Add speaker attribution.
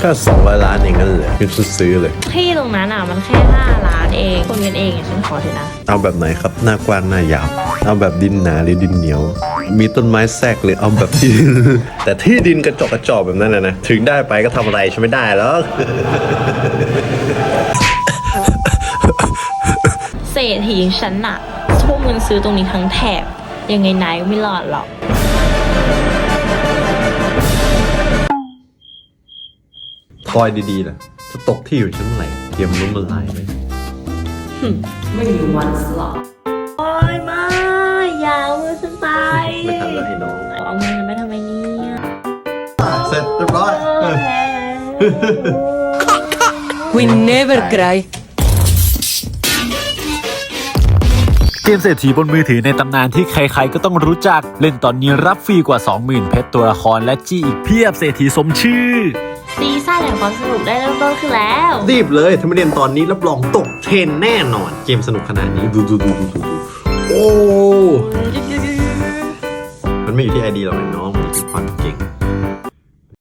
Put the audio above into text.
Speaker 1: ก็200 ล้านเองนั่นแหละยังซื้อเลย
Speaker 2: ที่ตรงนั้นอ่ะมันแค่5 ล้านเองคนกันเองอ่ะฉันขอเถอะนะ
Speaker 1: เอาแบบไหนครับหน้ากว้างหน้ายาวเอาแบบดินหนาหรือดินเหนียวมีต้นไม้แทรกหรือเอาแบบที่ แต่ที่ดินกระจอกแบบนั้นนะถึงได้ไปก็ทำอะไรใช่ไม่ได้แล้ว
Speaker 2: เศรษฐีอย่างฉันน่ะพวกเงินซื้อตรงนี้ทั้งแถบยังไงนายก็ไม่รอดหรอก
Speaker 1: คอยดีๆนะจะตกที่อยู่ชั้นไหนเตรียมล้มละลายเลย
Speaker 2: ไม่มีวันสลบโอ้ยมาอย่าเอามือฉันไป
Speaker 1: ไม่ทันแล้วให้น้อง
Speaker 2: เอามือฉันไปทำไมเนี่ย
Speaker 1: เสร็จเรียบร้อย
Speaker 3: We never cry
Speaker 4: เกมเศรษฐีบนมือถือในตำนานที่ใครๆก็ต้องรู้จักเล่นตอนนี้รับฟรีกว่า 20,000 เพชรตัวละครและจี้อีกเพียบเศรษฐีสมชื่อ
Speaker 2: ซีซั่นแห่งความสนุกได้เริ่มต้นขึ้นแล้ว
Speaker 1: รีบเลยถ้าไม่เรียนตอนนี้รับรองตกเทรนแน่นอนเกมสนุกขนาดนี้ดูโอ้มันไม่อยู่ที่ไอเดียหรอกไอ้น้องมันอยู่ที่ความเก่ง